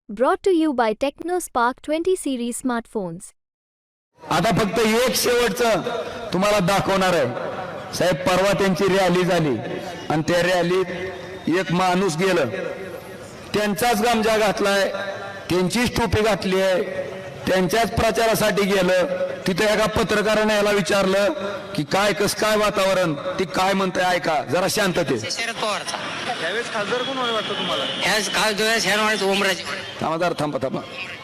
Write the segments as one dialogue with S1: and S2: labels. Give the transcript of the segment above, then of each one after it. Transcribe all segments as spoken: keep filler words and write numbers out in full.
S1: Brought to you by TechnoSpark twenty series smartphones.
S2: आता फक्त एक शेवटचं तुम्हाला दाखवणार आहे साहेब. परवा त्यांची रॅली झाली आणि त्या रॅलीत एक माणूस गेलं, त्यांचाच गमजा घातलाय, त्यांचीच टोपी घातली आहे, त्यांच्याच प्रचारासाठी गेलं. तिथे एका पत्रकाराने याला विचारलं की काय कस काय वातावरण, ती काय म्हणते ऐका जरा शांतते.
S3: शरद पवारचा
S4: त्यावेळेस खासदार कोण होणे वाटतं तुम्हाला?
S3: ह्याच खासदार ह्या म्हणायचं ओमराजे.
S2: थांबा जरा थांबा थांबा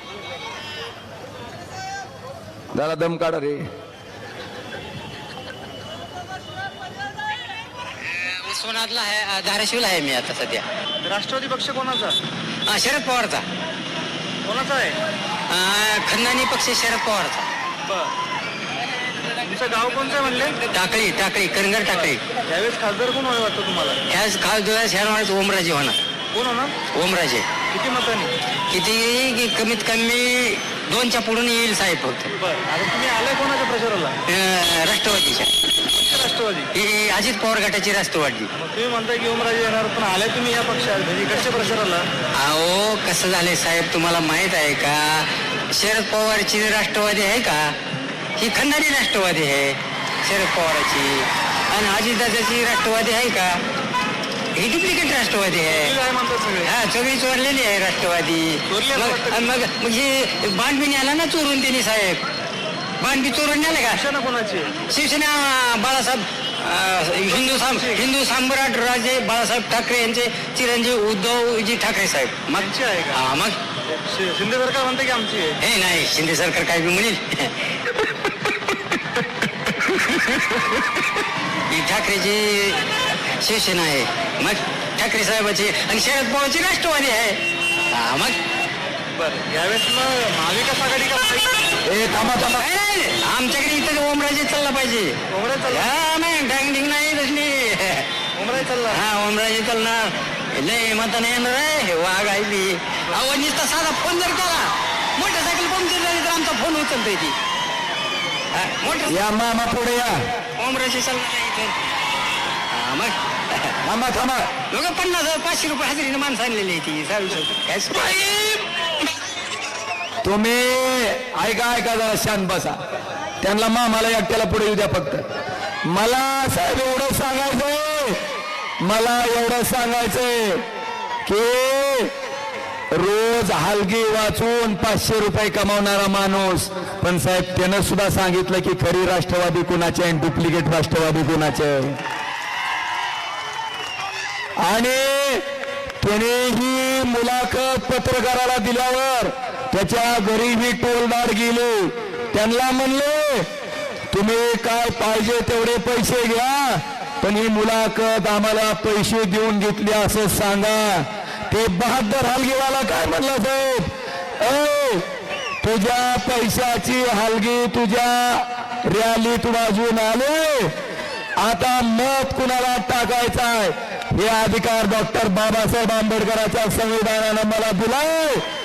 S2: जरा दम काढा रे.
S3: उस्मानाबादला आहे, धाराशिवला आहे मी आता सध्या.
S4: राष्ट्रवादी पक्ष कोणाचा?
S3: हा, शरद पवारचा.
S4: कोणाचा आहे?
S3: हा, खंदानी पक्ष शरद पवारचा.
S4: बरं. तुमचं गाव कोणतं आहे म्हणले?
S3: टाकळी टाकळी करंगड टाकळी.
S4: त्यावेळेस खासदार कोण होणे वाटतं तुम्हाला?
S3: ह्याच खासदार ह्या म्हणायचं ओमराजे होणार.
S4: कोण होणार?
S3: ओमराजे.
S4: किती मतांनी?
S3: किती की कमीत कमी दोनच्या पुढून येईल साहेब फक्त.
S4: बरं. आता तुम्ही आलाय कोणाच्या प्रचाराला?
S3: अं, राष्ट्रवादीच्या.
S4: राष्ट्रवादी.
S3: ही अजित पवार गटाची राष्ट्रवादी.
S4: मग तुम्ही म्हणताय की ओमराजे येणार, पण आलाय तुम्ही या पक्षात म्हणजे इकडच्या प्रचाराला?
S3: अहो कसं झालंय साहेब, तुम्हाला माहित आहे का शरद पवारची राष्ट्रवादी आहे का? ही खंडारी राष्ट्रवादी आहे शरद पवाराची. आणि अजितदादाची राष्ट्रवादी आहे का? ही डुप्लिकेट राष्ट्रवादी आहे.
S4: तुम्ही काय म्हणतात सगळे?
S3: हा, सगळी चोरलेली आहे राष्ट्रवादी.
S4: चोरली असं वाटतं?
S3: मग मग मग हे बांधबी न्याला ना चोरून त्यांनी साहेब. बांधबी चोरून न्याले का?
S4: शिवसेना कोणाची?
S3: शिवसेना बाळासाहेब अं, हिंदू साम हिंदू सम्राट राजे बाळासाहेब ठाकरे यांचे चिरंजीव उद्धवजी ठाकरे साहेब. मग
S4: आमची आहे का?
S3: हा, मग
S4: शि- शिंदे सरकार म्हणते की आमची आहे?
S3: हे नाही, शिंदे सरकार काय बी म्हणेल. ही ठाकरेची शिवसेना आहे, मग ठाकरे साहेबाची. आणि शरद पवारची राष्ट्रवादी आहे. हा, मग
S4: बरं. यावेळेस मग महाविकास आघाडी का?
S2: ए थांबा थांबा
S3: नाही, नाही, आमच्याकडे इथं ओमराजे चालला पाहिजे.
S4: ओमराजे चालला?
S3: हा, नाही डांग डिंग नाही तसली.
S4: ओमराजे चालला?
S3: हा, ओमराजे चालणार. लय मताने येणार आहे. हे वाघ आहे ती. अहो नुसता साधा फोन जर केला, मोटरसायकल पंक्चर झाली तर आमचा फोन उचलतोय ती. हा, मोटर
S2: या मामा पुढे या.
S3: ओमराजे चालणार आहे इथं. हा, मग
S2: थांबा थांबा
S3: लोक पन्नास पाचशे रुपये हजेरीने माणसं आणलेली आहे ती. काय
S2: तुम्ही ऐका ऐका जरा शांत बसा. त्यांना मामाला एकट्याला पुढे येऊ द्या फक्त. मला साहेब एवढं सांगायचंय, मला एवढं सांगायचंय की रोज हलगी वाचून पाचशे रुपये कमावणारा माणूस, पण साहेब त्यानं सुद्धा सांगितलं की खरी राष्ट्रवादी कुणाचे आणि डुप्लिकेट राष्ट्रवादी कुणाचे. आणि त्याने ही मुलाखत पत्रकाराला दिल्यावर त्याच्या घरी ही टोलदार गेले. त्यांना म्हणले तुम्ही काय पाहिजे तेवढे पैसे घ्या, पण ही मुलाखत आम्हाला पैसे देऊन घेतली असं सांगा. ते बहादर हलगीवाला काय म्हणला साहेब, ए तुझ्या पैशाची हलगी तुझ्या रॅलीत वाजून आले, आता मत कुणाला टाकायचा आहे हे अधिकार डॉक्टर बाबासाहेब आंबेडकरांच्या संविधानानं मला दिलाय.